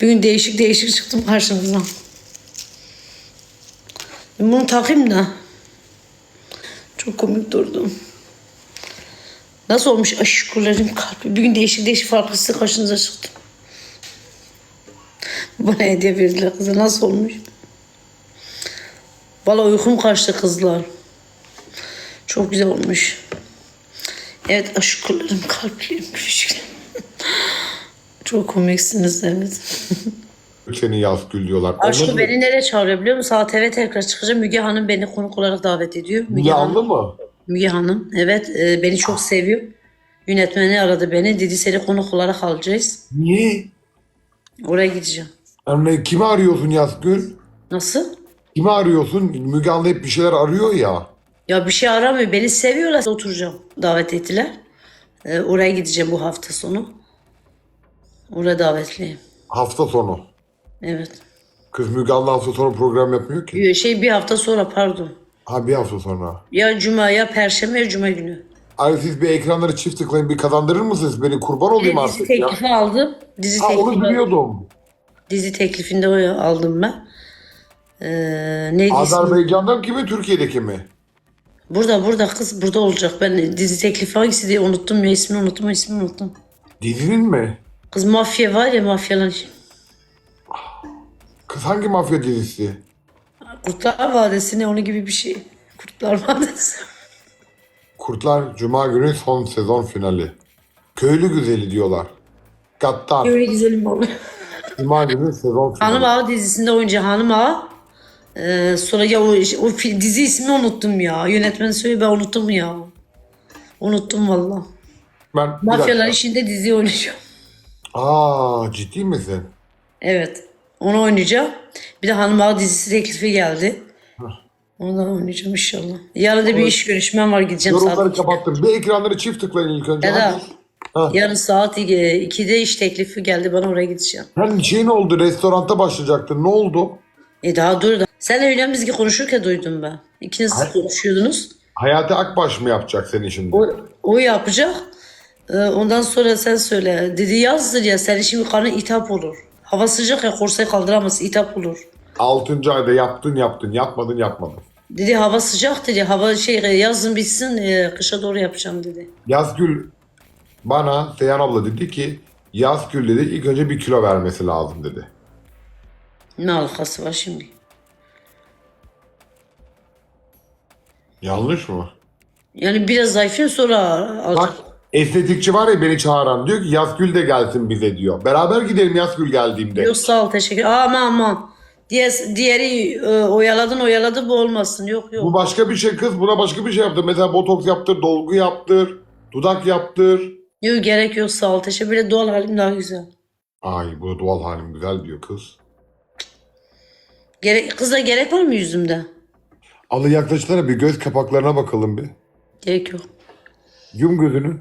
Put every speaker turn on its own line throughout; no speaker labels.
Bugün değişik değişik çıktım karşınıza. Bunu takayım da. Çok komik durdu. Nasıl olmuş aşıklarım kalbi. Bugün değişik değişik farklısı karşınıza çıktım. Bana hediye verdiler kıza. Nasıl olmuş? Vallahi uykum kaçtı kızlar. Çok güzel olmuş. Evet aşıklarım kalplerim küçüklerim. Çok komiksiniz evet.
Seni Yazgül diyorlar.
Aşkı beni nereye çağırıyor biliyor musun? Saat eve tekrar çıkacağım. Müge Hanım beni konuk olarak davet ediyor.
Müge Anlı mı?
Müge Hanım. Evet beni çok seviyor. Yönetmeni aradı beni. Dedi seni konuk olarak alacağız.
Niye?
Oraya gideceğim.
Yani kimi arıyorsun Yazgül?
Nasıl?
Kimi arıyorsun? Müge Anlı hep bir şeyler arıyor ya.
Ya bir şey aramıyor. Beni seviyorlar. Oturacağım. Davet ettiler. Oraya gideceğim bu hafta sonu. Oraya davetliyim.
Hafta sonu.
Evet.
Kız Müge Anlı hafta sonu program yapmıyor ki.
Bir hafta sonra pardon.
Ha bir hafta sonra.
Ya cuma ya perşembe ya cuma günü.
Ay siz bir ekranları çift tıklayın bir kazandırır mısınız? Beni kurban olayım
Dizi
artık ya.
teklifi aldım.
Ha onu biliyordum.
Dizi teklifinde o aldım ben. Neydi ismi?
Azerbaycan'dan kimi Türkiye'deki mi?
Burada kız burada olacak. Ben dizi teklifi hangisi diye unuttum ya ismini unuttum.
Dizinin mi?
Kız mafya var ya mafyalar.
Kız hangi mafya dizisi?
Kurtlar Vadisi ne onun gibi bir şey. Kurtlar Vadisi.
Kurtlar Cuma günü son sezon finali. Köylü güzeli diyorlar. Gattar.
Öyle güzelim oluyor.
Cuma günü sezon finali.
Hanım Ağa dizisinde oyuncu Hanım Ağa. Sonra ya dizi ismini unuttum ya. Yönetmen söylüyor ben unuttum ya. Unuttum valla.
Ben bir
Mafyalar
dakika.
işinde dizi oynayacağım.
Aa ciddi misin?
Evet. Onu oynayacağım. Bir de Hanım Ağa dizisi teklifi geldi. Onu da oynayacağım inşallah. Yarın da bir iş görüşmem var gideceğim
Yorumları
saat.
kapattım. Bir ekranları çift tıklayın ilk önce.
Ya da
Hadi.
yarın saat 2'de iş teklifi geldi bana oraya gideceğim.
Sen şey ne oldu? Restoranda başlayacaktın. Ne oldu?
Daha dur da. Sen öyle biz konuşurken duydum ben. İkiniz konuşuyordunuz.
Hayati Akbaş mı yapacak seni şimdi?
O yapacak. Ondan sonra sen söyle. Dedi yazdır ya senin şimdi karnın itap olur. Hava sıcak ya korsayı kaldıramazsın itap olur.
6. ayda yaptın. Yapmadın.
Dedi hava sıcak dedi. Hava yazın bitsin kışa doğru yapacağım dedi.
Yazgül bana Seyhan abla dedi ki Yazgül dedi ilk önce 1 kilo vermesi lazım dedi.
Ne alakası var şimdi?
Yanlış mı?
Yani biraz zayıflayayım sonra alacak.
Bak estetikçi var ya beni çağıran diyor ki Yazgül de gelsin bize diyor. Beraber gidelim Yazgül geldiğimde.
Yok sağ ol teşekkür. Aman. Diğeri oyaladı bu olmasın. Yok.
Bu başka bir şey kız buna başka bir şey yaptır. Mesela botoks yaptır, dolgu yaptır, dudak yaptır.
Yok gerek yok sağ ol teşekkür. Böyle doğal halim daha güzel.
Ay bu doğal halim güzel diyor kız.
Kıza gerek var mı yüzümde?
Alı yaklaştıra bir göz kapaklarına bakalım bir.
Gerek yok.
Yum gözünü.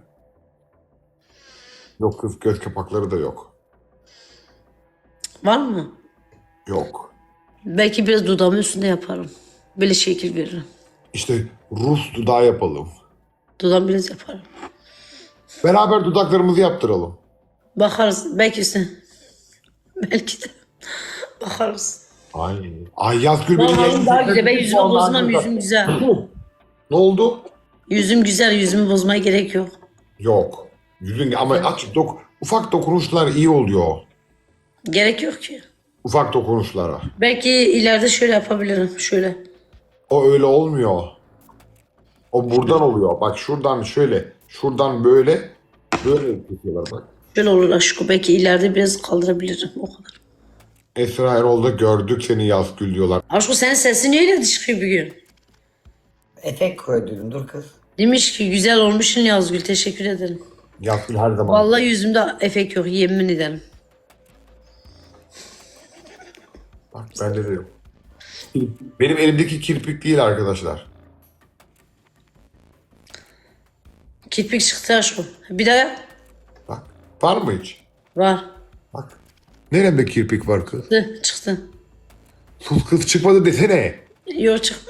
Yok kız göz kapakları da yok.
Var mı?
Yok.
Belki biraz dudağımın üstünde yaparım. Böyle şekil veririm.
İşte Rus dudağı yapalım.
Dudağım biraz yaparım.
Beraber dudaklarımızı yaptıralım.
Bakarız. Belki de. Bakarız.
Ay Yazgül beni
Vallahi daha güzel. Ben
yenecek.
yüzümü bozmam. Yüzüm güzel.
Ne oldu?
Yüzüm güzel. Yüzümü bozmaya gerek yok.
Yok. Yüzün ama ufak dokunuşlar iyi oluyor.
Gerek yok ki.
Ufak dokunuşlara.
Belki ileride şöyle yapabilirim. Şöyle.
O öyle olmuyor. O buradan oluyor. Bak şuradan şöyle. Şuradan böyle. Böyle yapıyorlar bak.
Şöyle olur aşkım. Belki ileride biraz kaldırabilirim. O kadar.
Esra Erol'da gördük seni Yazgül diyorlar.
Aşkım senin sesin öyle çıkıyor bir gün.
Efekt koydum dur kız.
Demiş ki güzel olmuşsun Yazgül. Teşekkür ederim.
Yazgül her zaman.
Vallahi yüzümde efekt yok. Yemin ederim.
Bak ben de dedim. Benim elimdeki kirpik değil arkadaşlar.
Kirpik çıktı aşkım. Bir daha yap.
Bak. Var mı hiç?
Var.
Bak. Neremde kirpik var kız?
Çıktı.
Sus kız çıkmadı desene.
Yok çık.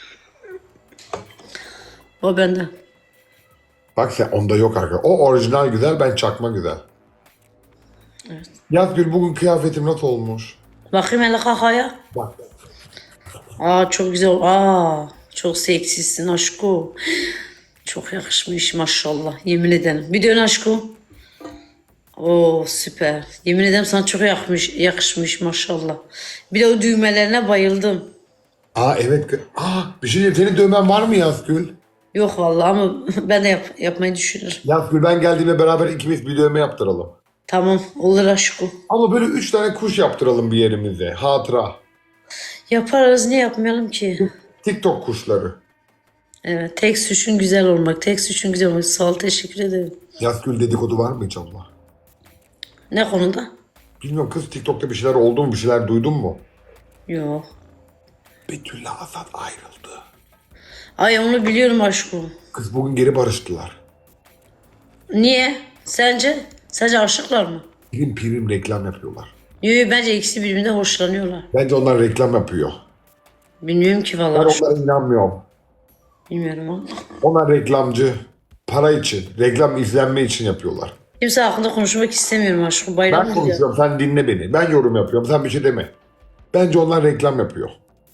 O bende.
Bak sen onda yok arkadaşlar. O orijinal güzel ben çakma güzel.
Evet.
Yazgül bugün kıyafetim nasıl olmuş?
Bakayım hele kakaya.
Bak.
Aa çok güzel. Aa çok seksisin aşko. Çok yakışmış maşallah. Yemin ederim. Bir dön aşko. Oo süper. Yemin ederim sana çok yakışmış maşallah. Bir de o düğmelerine bayıldım.
Aa evet. Bir şey diyeyim. Senin dövmen var mı Yazgül?
Yok vallahi ama ben de yapmayı düşünürüm.
Yazgül ben geldiğimde beraber ikimiz bir dövme yaptıralım.
Tamam olur aşko.
Ama böyle 3 tane kuş yaptıralım bir yerimize. Hatıra.
Yaparız niye yapmayalım ki?
TikTok kuşları.
Evet tek suçun güzel olmak. Tek suçun güzel olmak. Sağ ol teşekkür ederim.
Yazgül dedikodu var mı hiç abla?
Ne konuda?
Bilmiyorum kız TikTok'ta bir şeyler oldu mu? Bir şeyler duydun mu?
Yok.
Betül'le Azat ayrıldı.
Ay onu biliyorum aşkım.
Kız bugün geri barıştılar.
Niye? Sence? Sence aşıklar mı?
Prim prim reklam yapıyorlar.
Yok bence ikisi birbirinden hoşlanıyorlar.
Bence onlar reklam yapıyor.
Bilmiyorum ki
Ben
vallahi aşkım.
onlara inanmıyorum.
Bilmiyorum ama.
Onlar reklamcı. Para için, reklam izlenme için yapıyorlar.
Kimse hakkında konuşmak istemiyorum aşkım. Bayram
Ben
mı diyor?
konuşuyorum, sen dinle beni. Ben yorum yapıyorum, sen bir şey deme. Bence onlar reklam yapıyor.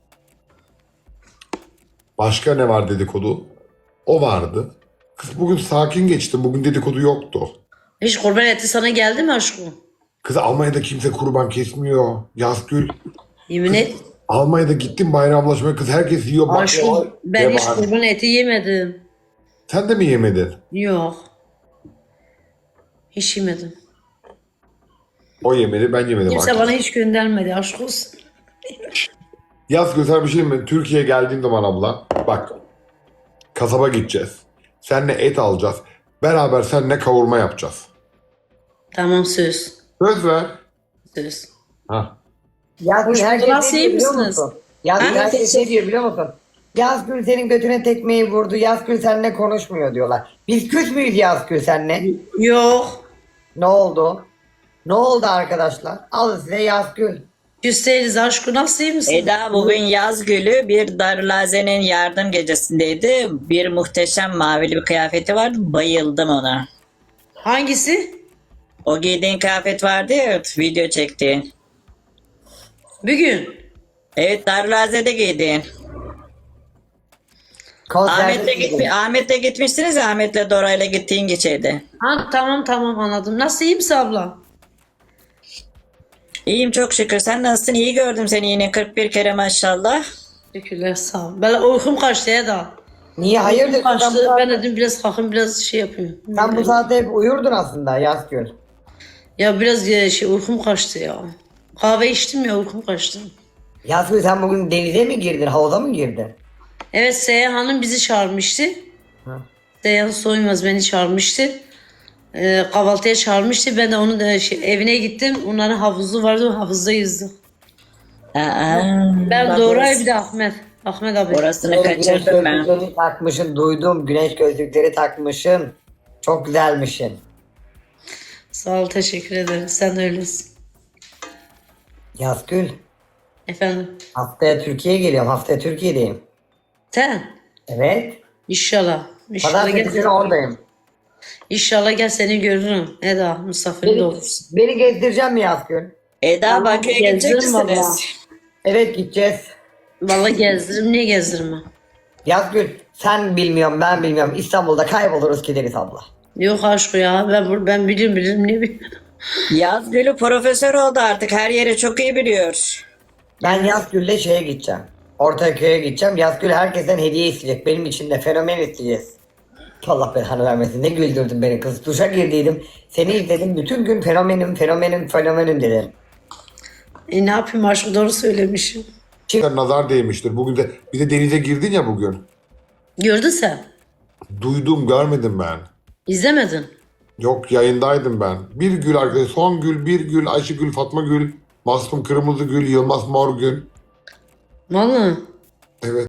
Başka ne var dedikodu? O vardı. Kız bugün sakin geçti, bugün dedikodu yoktu.
Hiç kurban eti sana geldi mi aşkım?
Kız Almanya'da kimse kurban kesmiyor. Yazgül.
Yemin et.
Almanya'da gittim bayramlaşmaya, kız herkes yiyor.
Aşkım
baklava,
ben hiç
var.
kurban eti yemedim.
Sen de mi yemedin?
Yok. Hiç yemedim.
O yemedi, ben yemedim
Kimse
artık.
bana hiç göndermedi aşk olsun.
Yazgül sana bir şey mi? Türkiye'ye geldiğim zaman abla, bak. Kasaba gideceğiz. Seninle et alacağız. Beraber seninle kavurma yapacağız.
Tamam söz.
Söz ver.
Söz.
Ha.
Yazgül
Hoş
herkes
bulduk,
ne diyor
iyi
biliyor
misiniz?
musun? Yazgül
Ha?
herkes ne diyor biliyor musun? Yazgül senin götüne tekmeyi vurdu. Yazgül seninle konuşmuyor diyorlar. Biz küs müyüz Yazgül seninle?
Yok.
Ne oldu? Ne oldu arkadaşlar? Al size Yazgül.
Küs değiliz aşkım. Nasıl iyi misin?
Eda bugün yaz gülü bir Darülaze'nin yardım gecesindeydi. Bir muhteşem mavili bir kıyafeti vardı. Bayıldım ona.
Hangisi?
O giydiğin kıyafet vardı ya video çektiğin.
Bugün.
Evet Darülaze'de giydin. Ahmet'le gitmiştiniz ya Ahmet'le Dora'yla gittiğin geçeydi.
Ha tamam anladım. Nasıl iyi misin abla?
İyiyim çok şükür. Sen nasılsın? İyi gördüm seni yine 41 kere maşallah.
Teşekkürler sağ ol. Ben uykum kaçtı ya da.
Niye hayırdır?
Uykum
Sen bu,
kaçtı.
saat-
Ben dedim biraz kalkın biraz şey yapayım.
sen bu saatte hep uyurdun aslında Yazgül.
Ya biraz uykum kaçtı ya. Kahve içtim ya uykum kaçtı.
Yazgül sen bugün denize mi girdin? Havuza mı girdin?
Evet Seyhan Hanım bizi çağırmıştı. Seyhan Soymaz beni çağırmıştı. Kahvaltıya çağırmıştı. Ben de onun evine gittim. Onların havuzu vardı. Havuzda yüzdüm.
Aa,
Ben Doğray bir de Ahmet. Ahmet abi.
orasını
Güneş
kaçırdım ben.
gözlükleri takmışsın duydum. Güneş gözlükleri takmışsın. Çok güzelmişsin.
Sağ ol teşekkür ederim. Sen de öylesin.
Yazgül
Efendim.
haftaya Türkiye'ye geliyorum. Haftaya Türkiye'deyim.
Sen?
Evet.
İnşallah. İnşallah
Pazartesi günü
gel.
oradayım.
İnşallah gel seni görürüm. Eda misafirim de olursun.
Beni gezdireceğim mi Yazgül?
Eda Bakü'ye gidecek
gezdiririm valla.
misiniz?
Evet gideceğiz.
Vallahi gezdiririm. Niye gezdirmem?
Yazgül sen bilmiyorum ben bilmiyorum. İstanbul'da kayboluruz gideriz abla.
Yok aşkı ya. Ben bilirim ne bileyim.
Yaz gülü profesör oldu artık. Her yeri çok iyi biliyor.
Ben Yazgül'le şeye gideceğim. Ortaköy'e gideceğim. Yazgül herkesten hediye isteyecek. Benim için de fenomen isteyeceğiz. Allah belanı vermesin. Ne güldürdün beni kız. Duşa girdiydim. Seni izledim. Bütün gün fenomenim dedim.
Ne yapayım aşkı doğru söylemişim.
Nazar değmiştir. Bugün de bir de denize girdin ya bugün.
Gördün sen.
Duydum, görmedim ben.
İzlemedin.
Yok yayındaydım ben. Bir gül arkadaş, son gül, bir gül, Ayşegül, Fatma Gül, Masum Kırmızı Gül, Yılmaz Morgül.
Vallahi.
Evet.